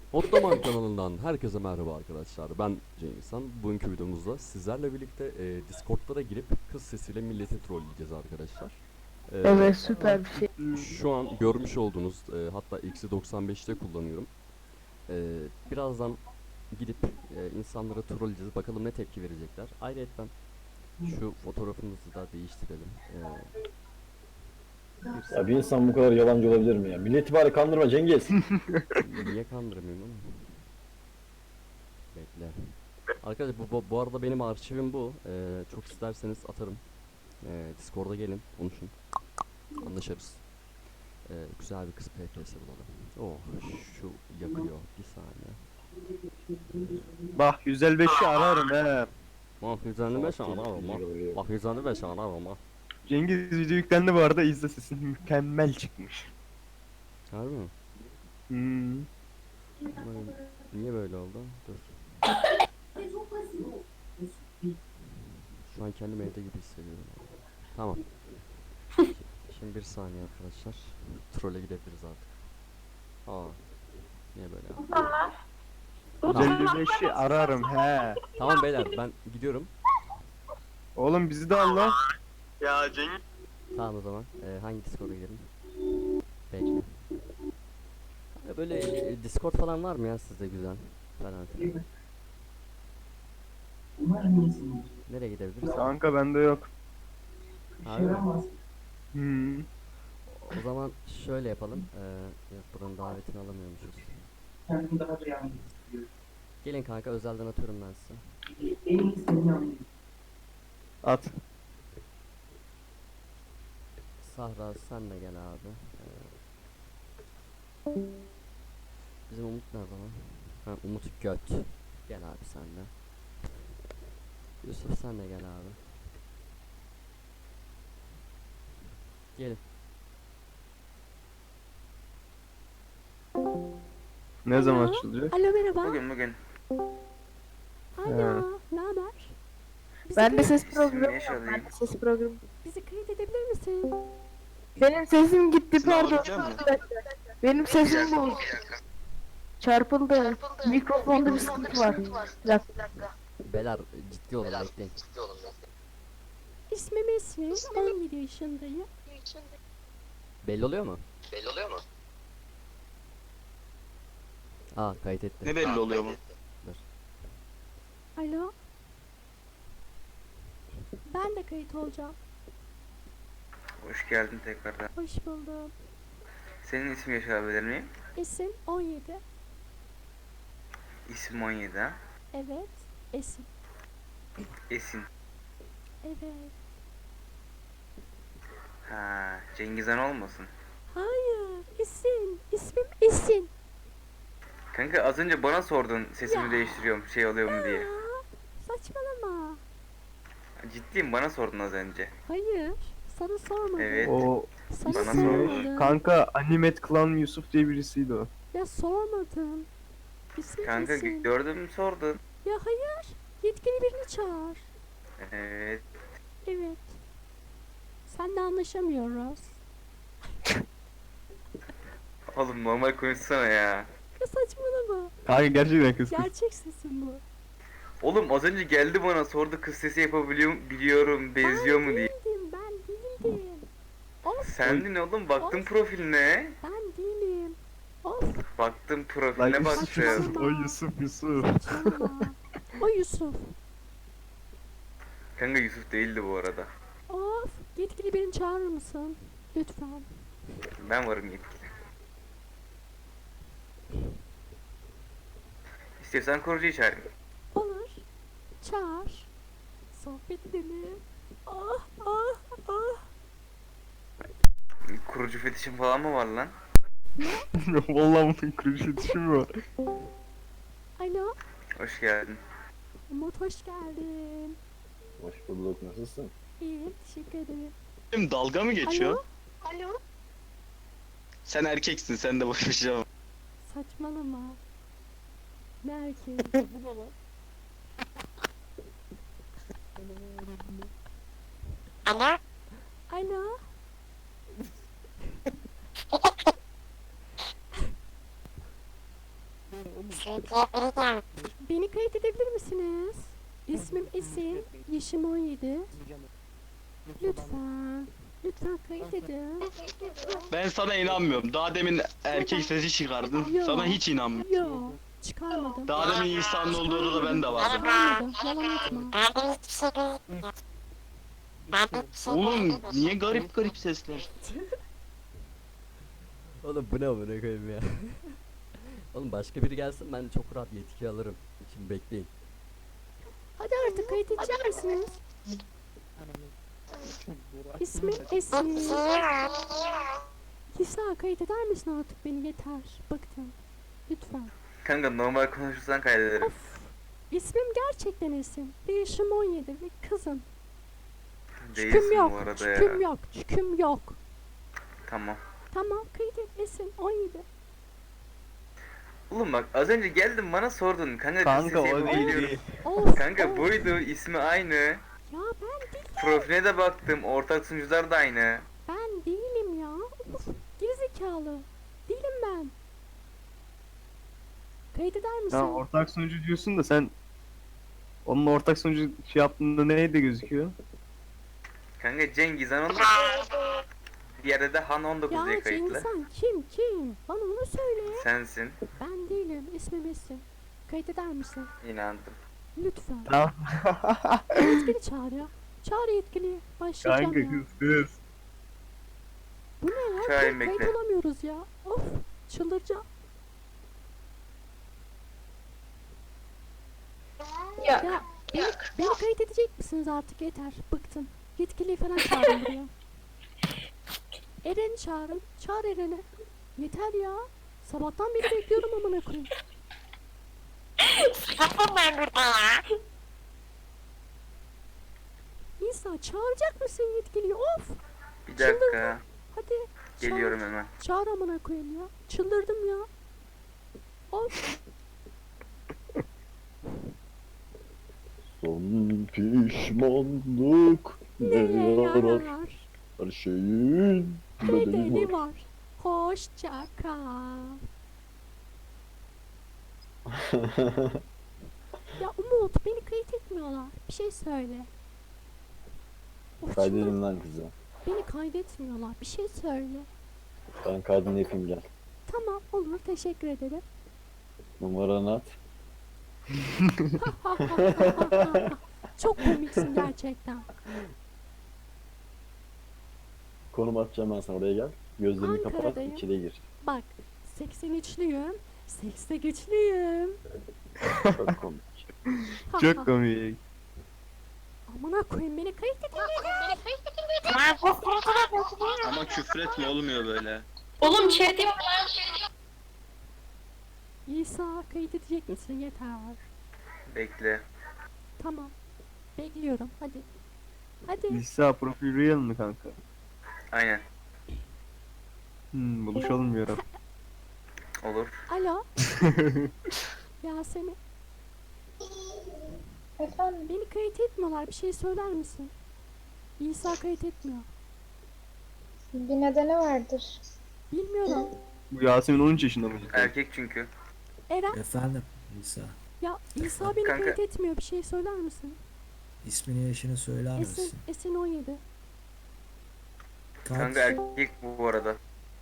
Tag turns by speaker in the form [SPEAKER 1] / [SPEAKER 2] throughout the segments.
[SPEAKER 1] Ottoman kanalından herkese merhaba arkadaşlar. Ben Cengizhan. Bugünkü videomuzda sizlerle birlikte Discord'lara girip kız sesiyle milleti trolleyeceğiz arkadaşlar.
[SPEAKER 2] Evet, süper bir şey.
[SPEAKER 1] Şu an görmüş olduğunuz hatta -95'te kullanıyorum. Birazdan gidip insanlara trolleyeceğiz. Bakalım ne tepki verecekler. Ayrıca şu fotoğrafımızı da değiştirelim.
[SPEAKER 3] Ya bir insan bu kadar yalancı olabilir mi ya? Milleti bari kandırma Cengiz.
[SPEAKER 1] Niye kandırmıyorum oğlum? Bekle. Arkadaşlar bu arada benim arşivim bu. Çok isterseniz atarım. Discord'a gelin, konuşun. Anlaşırız. Güzel bir kız PPS bulalım. Oh, şu yakıyor. Bir saniye.
[SPEAKER 4] Bak 155'i ararım he.
[SPEAKER 1] Bak 155 ararım ha. Bak 155 ararım ha.
[SPEAKER 4] Cengiz video yüklendi bu arada, izle, sesin mükemmel çıkmış.
[SPEAKER 1] Harbi mi? Niye böyle oldu? Dur. Şu an kendimi evde gibi hissediyorum. Tamam. Şimdi bir saniye arkadaşlar. Troll'e gidebiliriz artık. Aa. Niye böyle ya?
[SPEAKER 4] 155'i ararım he.
[SPEAKER 1] Tamam beyler ben gidiyorum.
[SPEAKER 4] Oğlum bizi de al lan.
[SPEAKER 5] Ya Cengiz.
[SPEAKER 1] Tamam o zaman. Hangi Discord'a gidelim? Bekle. Böyle Discord falan var mı ya sizde güzel? Falan filan. Nereye gidebiliriz?
[SPEAKER 4] Kanka bende yok.
[SPEAKER 1] Abi, o zaman şöyle yapalım. Yok buranın davetini alamıyormuşuz. Gelin kanka özelden atıyorum ben size.
[SPEAKER 4] At.
[SPEAKER 1] Sahra sen de gel abi. Bizim Umut nerede lan? Ha, Umut Göt. Gel abi sen de. Yusuf sen de gel abi. Gelin.
[SPEAKER 4] Ne zaman açılacak?
[SPEAKER 6] Alo merhaba.
[SPEAKER 5] Bugün
[SPEAKER 6] Alo. Ne haber?
[SPEAKER 2] Ben de ses
[SPEAKER 5] İsim
[SPEAKER 2] programı
[SPEAKER 5] Neşe
[SPEAKER 2] yok. Ben
[SPEAKER 5] alayım.
[SPEAKER 2] de ses programı.
[SPEAKER 6] Bizi kayıt edebilir misin?
[SPEAKER 2] Benim sesim gitti,
[SPEAKER 5] Sınav
[SPEAKER 2] pardon.
[SPEAKER 5] alacak mısın?
[SPEAKER 2] Benim sesim bozuldu. Çarpıldı. Mikrofonda bir sıkıntı var. Bir dakika.
[SPEAKER 1] Beyler ciddi olun bekleyin.
[SPEAKER 6] İsmim Esin. 17 yaşındayım.
[SPEAKER 1] Belli oluyor mu? Aa kayıt etti.
[SPEAKER 5] Ne belli oluyor bu?
[SPEAKER 6] Alo. Ben de kayıt olacağım.
[SPEAKER 5] Hoş geldin tekrardan.
[SPEAKER 6] Hoş buldum.
[SPEAKER 5] Senin ismi yaşayabilir miyim?
[SPEAKER 6] Esin 17.
[SPEAKER 5] İsim 17 ha?
[SPEAKER 6] Evet. Esin.
[SPEAKER 5] Esin.
[SPEAKER 6] Evet.
[SPEAKER 5] Ha, Cengizhan olmasın.
[SPEAKER 6] Hayır. Esin. İsmim Esin.
[SPEAKER 5] Kanka az önce bana sordun sesimi
[SPEAKER 6] Ya.
[SPEAKER 5] değiştiriyorum şey oluyor mu diye.
[SPEAKER 6] Aa, saçmalama.
[SPEAKER 5] Ciddiyim, bana sordun az önce.
[SPEAKER 6] Hayır. Sana sormadım.
[SPEAKER 5] Evet.
[SPEAKER 4] O
[SPEAKER 6] Sana
[SPEAKER 5] Bana
[SPEAKER 6] sormadım.
[SPEAKER 4] kanka Animet Clan Yusuf diye birisiydi o.
[SPEAKER 6] Ya sormadım. İsmim
[SPEAKER 5] Kanka
[SPEAKER 6] Esin.
[SPEAKER 5] gördüm sordun.
[SPEAKER 6] Ya hayır. Yetkili birini çağır.
[SPEAKER 5] Evet.
[SPEAKER 6] Evet. Senle anlaşamıyoruz.
[SPEAKER 5] Oğlum normal konuşsana ya.
[SPEAKER 6] Ya saçmalama.
[SPEAKER 4] Kanka gerçekten kız.
[SPEAKER 6] Gerçek sesin bu.
[SPEAKER 5] Oğlum az önce geldi bana sordu kız sesi biliyorum benziyor mu diye.
[SPEAKER 6] Değildim, ben değildim. Of,
[SPEAKER 5] Sendin oğlum, baktım
[SPEAKER 6] Of.
[SPEAKER 5] profiline.
[SPEAKER 6] ben değilim. Of,
[SPEAKER 5] Baktım
[SPEAKER 4] Lan
[SPEAKER 5] profiline
[SPEAKER 4] Yusuf,
[SPEAKER 5] baktım.
[SPEAKER 4] Yusuf, o Yusuf.
[SPEAKER 6] saçmalama. O Yusuf.
[SPEAKER 5] Kanka Yusuf değildi bu arada.
[SPEAKER 6] Of, yetkili birini çağırır mısın? Lütfen.
[SPEAKER 5] Ben varım yetkili. İstiyorsan korucuyu çağırayım.
[SPEAKER 6] Olur. Çağır. Sohbet edelim. Ah, ah, ah.
[SPEAKER 5] Kurucu fetişin falan mı var lan?
[SPEAKER 4] Vallahi bunun kurucu düşün var.
[SPEAKER 6] Alo,
[SPEAKER 5] Hoş geldin.
[SPEAKER 6] Umut hoş geldin.
[SPEAKER 3] Hoş bulduk, nasılsın?
[SPEAKER 6] İyiyim, teşekkür ederim.
[SPEAKER 7] Benim dalga mı geçiyor?
[SPEAKER 6] Alo, alo.
[SPEAKER 7] Sen erkeksin, sen de boş bir şey yapma.
[SPEAKER 6] Saçmalama. Ne erkeği? Alo. Beni kayıt edebilir misiniz? İsmim Esin, yaşım 17. Lütfen, lütfen kayıt edin.
[SPEAKER 7] Ben sana inanmıyorum. Daha demin erkek sesi çıkardın.
[SPEAKER 6] Yo.
[SPEAKER 7] Sana hiç inanmıyorum.
[SPEAKER 6] Yo, çıkarmadım.
[SPEAKER 7] Daha demin insanın olduğu odada ben de vardım.
[SPEAKER 6] Çıkarmadım, yalan atma.
[SPEAKER 7] Oğlum niye garip garip sesler?
[SPEAKER 1] Oğlum bu ne amına koyayım ya. Oğlum başka biri gelsin ben çok rahat yetki alırım. Şimdi bekleyin.
[SPEAKER 6] Hadi artık kayıt edecek misiniz? İsmim Esin. İsa kayıt eder misin artık beni yeter. Bıktım. Lütfen.
[SPEAKER 5] Kanka normal konuşursan kaydederim.
[SPEAKER 6] Of. İsmim gerçekten Esin. Ve yaşım 17 ve kızım. Çüküm
[SPEAKER 5] Değilsin
[SPEAKER 6] yok.
[SPEAKER 5] bu arada
[SPEAKER 6] Çüküm
[SPEAKER 5] ya.
[SPEAKER 6] yok. Çüküm yok.
[SPEAKER 5] Tamam.
[SPEAKER 6] Tamam kayıt et Esin 17.
[SPEAKER 5] Oğlum bak az önce geldin bana sordun. Kanka,
[SPEAKER 4] Kanka
[SPEAKER 5] sesi
[SPEAKER 4] o değil
[SPEAKER 5] yapabiliyorum.
[SPEAKER 4] değil.
[SPEAKER 6] Of.
[SPEAKER 5] Kanka
[SPEAKER 6] of.
[SPEAKER 5] buydu, ismi aynı.
[SPEAKER 6] Ya ben değil.
[SPEAKER 5] Profiline de baktım, ortak sunucular da aynı.
[SPEAKER 6] Ben değilim ya. Of. Gerizekalı. Değilim ben. Kayıt eder misin?
[SPEAKER 4] Ya ortak sunucu diyorsun da sen onun ortak sunucu şey yaptığında neydi gözüküyor?
[SPEAKER 5] Kanka Cengiz Han 19. Bir yerde de Han 19 diye
[SPEAKER 6] Ya
[SPEAKER 5] kayıtlı.
[SPEAKER 6] insan kim? Bana onu söyle.
[SPEAKER 5] Sensin.
[SPEAKER 6] Ben değilim. İsmim Esin. Kayıt eder misin?
[SPEAKER 5] İnandım.
[SPEAKER 6] Lütfen.
[SPEAKER 4] Tamam.
[SPEAKER 6] Yetkili çağır ya. Çağır yetkiliyi. Başlayacağım
[SPEAKER 4] Kanka
[SPEAKER 6] ya.
[SPEAKER 4] kız.
[SPEAKER 6] Bu ne ya?
[SPEAKER 5] Çağırayım,
[SPEAKER 6] Kayıt
[SPEAKER 5] bekle.
[SPEAKER 6] olamıyoruz ya. Of. Çıldıracağım.
[SPEAKER 2] Ya
[SPEAKER 6] Ya beni kayıt edecek misiniz artık yeter. Bıktım. Yetkiliyi falan çağırın buraya. Eren'i çağırın. Çağır Eren'i. Yeter ya. Sabahtan beri bekliyorum amına koyayım. İsa çağıracak mısın yetkiliyi? Of.
[SPEAKER 5] Bir dakika.
[SPEAKER 6] Hadi.
[SPEAKER 5] Geliyorum
[SPEAKER 6] Çağır.
[SPEAKER 5] hemen.
[SPEAKER 6] Çağır amına koyayım ya. Çıldırdım ya. Of.
[SPEAKER 3] Son pişmanlık ne
[SPEAKER 6] Neye
[SPEAKER 3] yarar?
[SPEAKER 6] yarar?
[SPEAKER 3] Her şeyin bedeli
[SPEAKER 6] Bedeli
[SPEAKER 3] var.
[SPEAKER 6] var. Hoşça kal. Ya Umut beni kayıt etmiyorlar. Bir şey söyle. Of,
[SPEAKER 3] Kaydedin lan kızı.
[SPEAKER 6] beni kaydetmiyorlar. Bir şey söyle.
[SPEAKER 3] Ben kaydını yapayım gel.
[SPEAKER 6] Tamam olur teşekkür ederim.
[SPEAKER 3] Numaranı at.
[SPEAKER 6] Çok komiksin gerçekten.
[SPEAKER 3] Konum atacağım ben sana, oraya gel. Gözlerini kapat,
[SPEAKER 6] Ankara'dayım.
[SPEAKER 3] içeriye gir.
[SPEAKER 6] Bak 83'lüyüm. Sekste güçlüyüm.
[SPEAKER 3] Çok komik.
[SPEAKER 4] Çok komik.
[SPEAKER 6] Amına koyayım beni kayıt edin.
[SPEAKER 7] Ama küfretme olmuyor böyle.
[SPEAKER 2] oğlum chat yap.
[SPEAKER 6] İsa kayıt edecek misin? Yeter.
[SPEAKER 5] Bekle.
[SPEAKER 6] Tamam. Bekliyorum. Hadi. Hadi.
[SPEAKER 4] İsa profil real mi kanka?
[SPEAKER 5] Aynen.
[SPEAKER 4] Buluşalım bir ara.
[SPEAKER 5] Olur.
[SPEAKER 6] Alo. Yasemin.
[SPEAKER 2] Efendim?
[SPEAKER 6] Beni kayıt etmiyorlar. Bir şey söyler misin? İsa kayıt etmiyor.
[SPEAKER 2] Bir nedeni vardır.
[SPEAKER 6] Bilmiyorum.
[SPEAKER 4] Bu Yasemin 13 yaşında mı?
[SPEAKER 5] Erkek çünkü.
[SPEAKER 6] Eren.
[SPEAKER 8] Efendim İsa.
[SPEAKER 6] Ya İsa beni
[SPEAKER 5] Kanka.
[SPEAKER 6] kayıt etmiyor. Bir şey söyler misin?
[SPEAKER 8] İsmini yaşını söyler
[SPEAKER 6] Esin.
[SPEAKER 8] misin?
[SPEAKER 6] Esin 17.
[SPEAKER 8] Kaç?
[SPEAKER 5] Kanka erkek bu arada.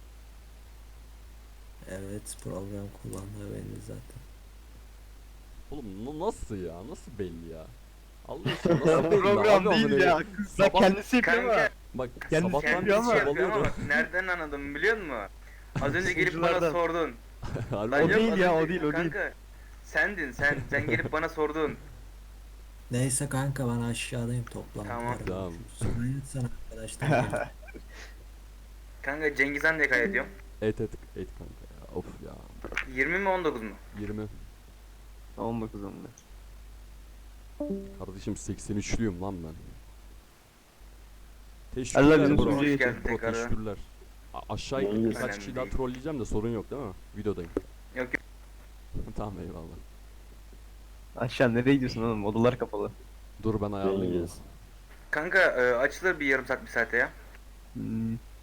[SPEAKER 8] Evet program kullandığı belli zaten.
[SPEAKER 1] Oğlum nasıl ya? Nasıl belli ya? Allah aşkına nasıl belli?
[SPEAKER 4] Program
[SPEAKER 1] Abi
[SPEAKER 4] değil
[SPEAKER 1] amına
[SPEAKER 4] ya.
[SPEAKER 1] koyayım.
[SPEAKER 4] Kız bak
[SPEAKER 1] Sabah-
[SPEAKER 4] kendisi yapıyor ama.
[SPEAKER 5] Kanka
[SPEAKER 1] Bak
[SPEAKER 4] Kendisi
[SPEAKER 1] sabahtan
[SPEAKER 4] yapıyor
[SPEAKER 1] beri
[SPEAKER 5] kendisi
[SPEAKER 4] ama-
[SPEAKER 5] yapıyor ama
[SPEAKER 1] çabalıyorum.
[SPEAKER 5] bak nereden anladım biliyor musun? Az önce gelip bana
[SPEAKER 4] Sunuculardan.
[SPEAKER 5] sordun.
[SPEAKER 1] Harbi
[SPEAKER 5] Lan
[SPEAKER 4] O
[SPEAKER 1] mi?
[SPEAKER 5] yok,
[SPEAKER 4] değil
[SPEAKER 5] az
[SPEAKER 4] ya,
[SPEAKER 5] önce-
[SPEAKER 4] o değil, o değil.
[SPEAKER 5] Kanka sendin sen gelip bana sordun.
[SPEAKER 8] Neyse kanka ben aşağıdayım toplantıda.
[SPEAKER 5] Tamam.
[SPEAKER 1] Tamam.
[SPEAKER 8] Kayıt sana arkadaşlar.
[SPEAKER 5] Kanka Cengiz Han diye kaydediyorum.
[SPEAKER 1] Et kanka ya. Of ya.
[SPEAKER 5] 20 mi 19 mu?
[SPEAKER 1] 20.
[SPEAKER 4] 19 onda.
[SPEAKER 1] Kardeşim 83'lüyüm lan ben.
[SPEAKER 4] Allah
[SPEAKER 1] Teşekkürler
[SPEAKER 4] bizim
[SPEAKER 1] bro.
[SPEAKER 4] sunucuya
[SPEAKER 5] Hoş geldin
[SPEAKER 1] Bro,
[SPEAKER 5] tekrar.
[SPEAKER 1] teşekkürler. Aşağı
[SPEAKER 3] Yalnız-
[SPEAKER 1] birkaç
[SPEAKER 5] Önemli
[SPEAKER 1] kişi daha
[SPEAKER 5] değil.
[SPEAKER 1] trolleyeceğim de sorun yok değil mi? Videodayım.
[SPEAKER 5] Yok yok.
[SPEAKER 1] Tamam eyvallah.
[SPEAKER 4] Aşağı nereye gidiyorsun oğlum? Odalar kapalı.
[SPEAKER 1] Dur ben ayarlayayım.
[SPEAKER 3] Cengiz.
[SPEAKER 5] Kanka açılır bir yarım saat bir saate ya.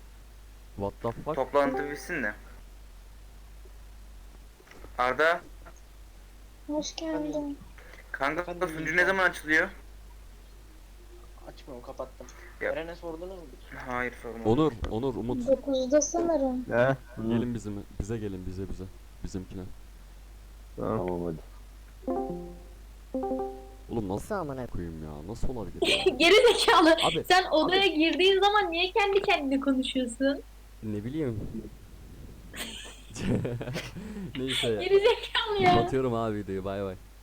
[SPEAKER 1] What the fuck?
[SPEAKER 5] Toplantı bitsin de. Arda
[SPEAKER 9] Hoş geldin.
[SPEAKER 5] Kanka sunucu ne zaman açılıyor?
[SPEAKER 10] Açmıyorum, kapattım.
[SPEAKER 5] Ya.
[SPEAKER 10] Eren'e sordunuz mu?
[SPEAKER 5] Hayır sorma.
[SPEAKER 1] Onur, Umut.
[SPEAKER 9] 9'da sanırım.
[SPEAKER 4] He?
[SPEAKER 1] Gelin bize gelin bize. Bizimkine.
[SPEAKER 4] Tamam.
[SPEAKER 3] Tamam hadi.
[SPEAKER 1] Oğlum nasıl amına koyayım ya? Nasıl olabilir ya?
[SPEAKER 9] Geri zekalı.
[SPEAKER 1] Abi
[SPEAKER 9] Sen odaya girdiğin zaman niye kendi kendine konuşuyorsun?
[SPEAKER 1] ne bileyim. Neyse ya.
[SPEAKER 9] Geri zekalı ya.
[SPEAKER 1] Kapatıyorum abi videoyu. Bay bay.